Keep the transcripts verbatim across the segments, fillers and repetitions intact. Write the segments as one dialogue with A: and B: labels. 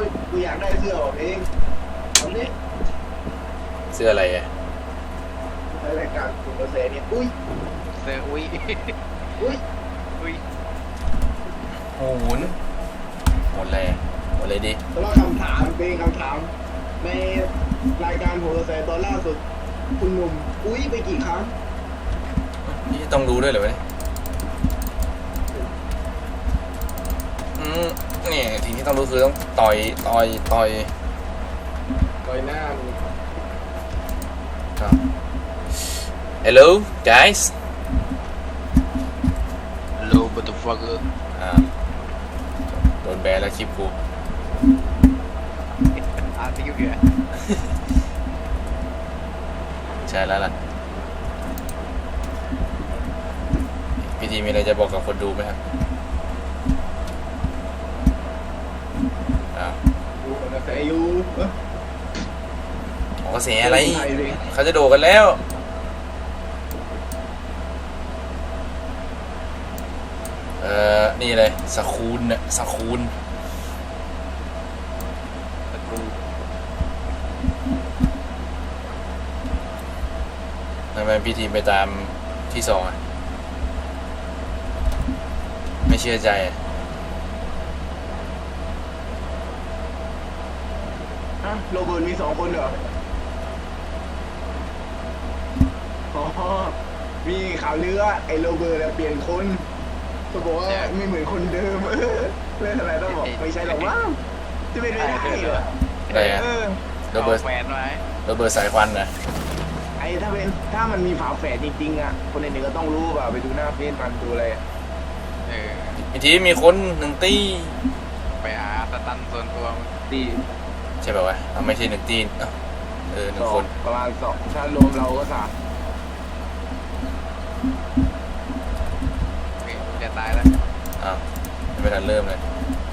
A: ยกูอยากได้เสื้อของเองทำนี่
B: เสื้ออะไรอ่ะ
A: ในรายการคุณกระแสเนี่ยอุ้ย
C: เสื้ออุ้ย
A: อุ้ย
C: อุ้ย
B: โหนหมดเลยหมดเลยดิ
A: แต่ว่าคำถามเป็นคำถามในรายการโหนกระแสตอนล่าสุดคุณหนุ่มอุ้ยไปกี่ครั้ง
B: นี่ต้องรู้ด้วยเหรอวะเนี่ยอืมเนี่ยทีที่ต้องรู้คือต้องต่อยต่อยต่อย
A: ต่อยหน้ามึง
B: ครับ Hello guys
C: Hello motherfucker
B: อ่าโดนแบนแล้วคลิปกู
C: อาร์ติวเดีย
B: ใช่แล้วล่ะพี่ทีมีอะไรจะบอกกับคนดูไหมครับอ้าว
A: ดูกระแสอยู่
B: กระแสอะไรเขาจะโดดกันแล้วเออนี่เลยสคูลเนี่ยสคูล
C: ตะกู
B: ทำไมพี่ทีมไปตามที่สองอ่ะไม่เชื่อใจอ่ะ
A: ฮะโรเบิร์ตมีสองคนเหรออ๋อมีข่าวลือว่าไอ้โรเบิร์ตเปลี่ยนคนเขาบอกว่าไม่เหมือนคนเดิมเออเรื่องอะไรต้องบอกไม่ใช่หรอกว่าจะเป็นไม่ได้เหรอ
B: อะไรอ่ะโรเบิร์ต
C: แฟนไว้
B: โรเบิร์ตสายควันนะ
A: ไอ้ถ้าเป็นถ้ามันมีฝาแฝดจริงๆอ่ะคนอื่นๆก็ต้องรู้ป่ะไปดูหน้าเฟซมันดูอะไร
C: เออ
B: อีกทีมีคนหนึ่งตี
C: ไปหาสตันส่วนตัว
A: ตี
B: ใช่ป่าววะเอาไม่ใช่หนึ่งตีเออหนึ่งคน
A: ประมาณสองถ้ารวมเราก็สาม
C: จะตายแล้ว
B: อ้าวไม่ทันเริ่มเลย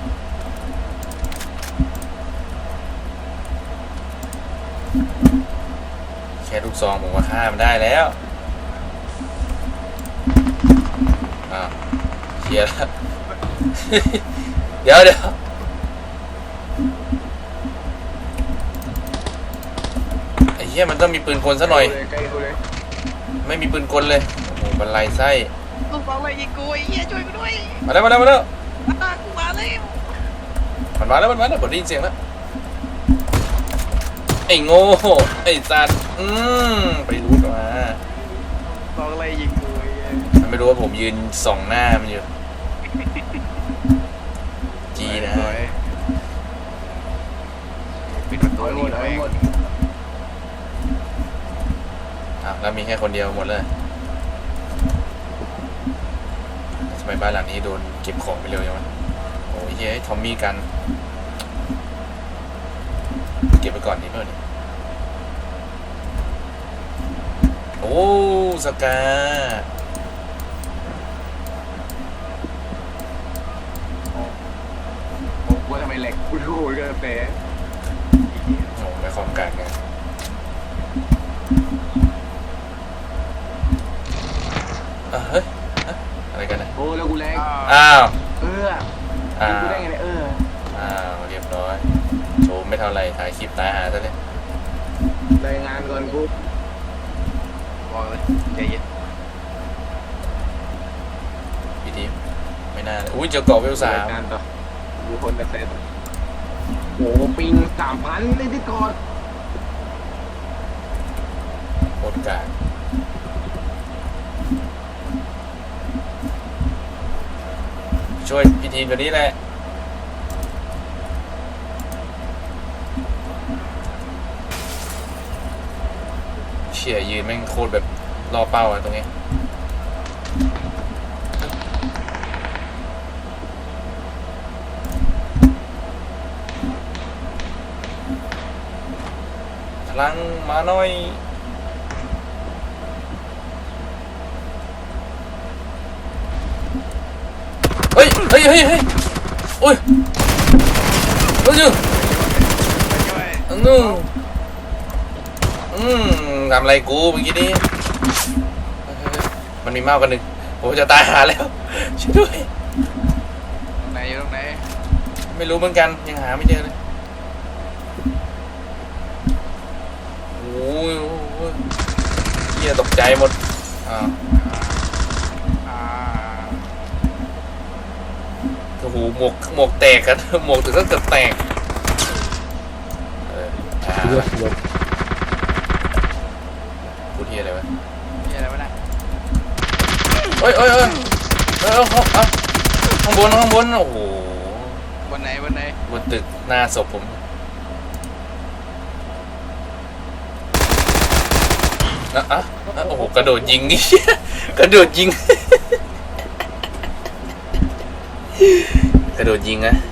B: แค่ลูกซองผมว่าฆ่ามันได้แล้วอ้าวเชียร์แล้ว เดี๋ยวเดี๋ยวไอ้เหี้ยมันต้องมีปืนกลซะหน่อยไม่มีปืนกลเลยโอ้โหบรรลัยไส้
C: ลูกบอลอะไรยิงกูไอ้เหี้ยช่วยกูด้วย
B: มาแล้วมาแล้วมาแล้ว
C: ตากูมาแล้ว
B: มันมาแล้วมันมาแล้วผมได้ยินเสียงแล้วไอ้โง่ไอ้สัตว์อืมไปรู้มา
C: บอลอะไรยิงกูไอ้
B: มันไม่รู้ว่าผมยืนส่องหน้ามันอยู่จีนะ
C: ปิดประตูนี่เลย
B: อ่ะแล้วมีแค่คนเดียวหมดเลยทำไมบ้านหลังนี้โดนเก็บของไปเร็วอย่างวะโอ้ยเฮ้ยทอมมี่กันเก็บไปก่อนดีเพื่อนโอ้สกา
A: โอ้ว่าทำไมเหล็กกูดูกันเตะ
B: โอ้ไม่ความการไงอ่ะเฮ้ยอะไรกันนะ
A: โอ้แล้วกูแรง
B: อ้าว
A: เอออ้าวกูได้ไงเนี่ยเออ
B: อ้าวเรียบร้อยโชว์ไม่เท่าไรถ่ายคลิปตายหาซะเลย
A: รายงานก่อนกู
C: บอกเลยใจเย็น
B: พี่ทีมไม่น่าอุ้ยเจอเกาะเวลสาม
A: ดูคนกระแสโอ้ปิงสามพันเลยที่กอด
B: โคตรกากช่วยพี่ทีมตัวนี้แหละเชี่ยยืนแม่งโคตรแบบรอเป้าอะตรงนี้พลังมาหน่อยเฮ้ยเฮ้ยเฮ้ยเฮ้ยโอ้ยเฮ้ยนู่นอืมทำอะไรกูเมื่อกี้นี้มันมีมากกว่าหนึ่งผมจะตายหาแล้วช่วยด้วย
C: ตรงไหนอยู่ตรงไหน
B: ไม่รู้เหมือนกันยังหาไม่เจอเลยยโอ้ยเฮียตกใจหมดอ่า
C: อ่า
B: โอ้โหหมวกหมวกแตกกัน หมวกถึงก็เกือบแตกเอออ่า
D: เลือดรถ
B: พูดเฮียอะไรวะ
C: นี่อะไรวะนะ
B: เอ้ยเอ้ยเอ้ยเอ้ยเอ้ยเอ้ยเอ้ยข้างบนข้างบนโอ้โห
C: บนไหนบนไหน
B: บนตึกหน้าศพผมนะอ่ะอ่ะโอ้โหกระโดดยิง นี่ กระโดดยิง กระโดดยิงนะ